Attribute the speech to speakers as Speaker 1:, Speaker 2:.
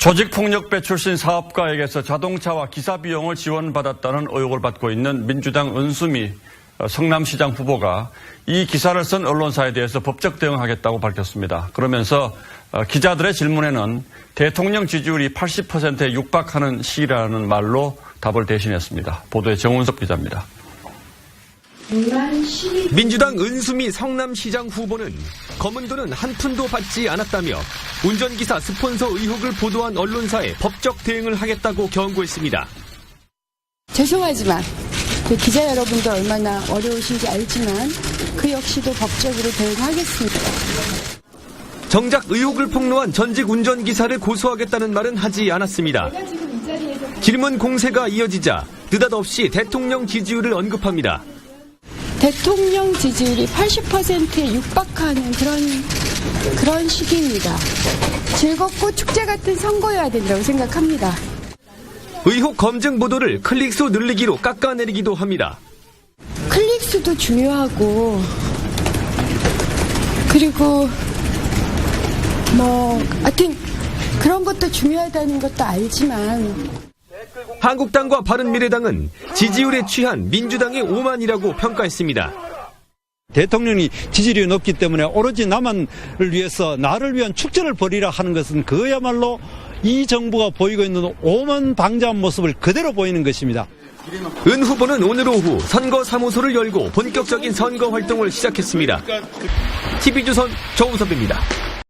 Speaker 1: 조직폭력배 출신 사업가에게서 자동차와 기사 비용을 지원받았다는 의혹을 받고 있는 민주당 은수미 성남시장 후보가 이 기사를 쓴 언론사에 대해서 법적 대응하겠다고 밝혔습니다. 그러면서 기자들의 질문에는 대통령 지지율이 80%에 육박하는 시기라는 말로 답을 대신했습니다. 보도에 정운석 기자입니다.
Speaker 2: 민주당 은수미 성남시장 후보는 검은 돈은 한 푼도 받지 않았다며 운전기사 스폰서 의혹을 보도한 언론사에 법적 대응을 하겠다고 경고했습니다.
Speaker 3: 죄송하지만 기자 여러분도 얼마나 어려우신지 알지만 그 역시도 법적으로 대응하겠습니다.
Speaker 2: 정작 의혹을 폭로한 전직 운전기사를 고소하겠다는 말은 하지 않았습니다. 질문 공세가 이어지자 느닷없이 대통령 지지율을 언급합니다.
Speaker 3: 대통령 지지율이 80%에 육박하는 그런 시기입니다. 즐겁고 축제 같은 선거여야 된다고 생각합니다.
Speaker 2: 의혹 검증 보도를 클릭수 늘리기로 깎아내리기도 합니다.
Speaker 3: 클릭수도 중요하고 그리고 하여튼 그런 것도 중요하다는 것도 알지만
Speaker 2: 한국당과 바른미래당은 지지율에 취한 민주당의 오만이라고 평가했습니다.
Speaker 4: 대통령이 지지율이 높기 때문에 오로지 나만을 위해서 나를 위한 축제를 벌이라 하는 것은 그야말로 이 정부가 보이고 있는 오만방자한 모습을 그대로 보이는 것입니다.
Speaker 2: 은 후보는 오늘 오후 선거사무소를 열고 본격적인 선거 활동을 시작했습니다. TV조선 정우섭입니다.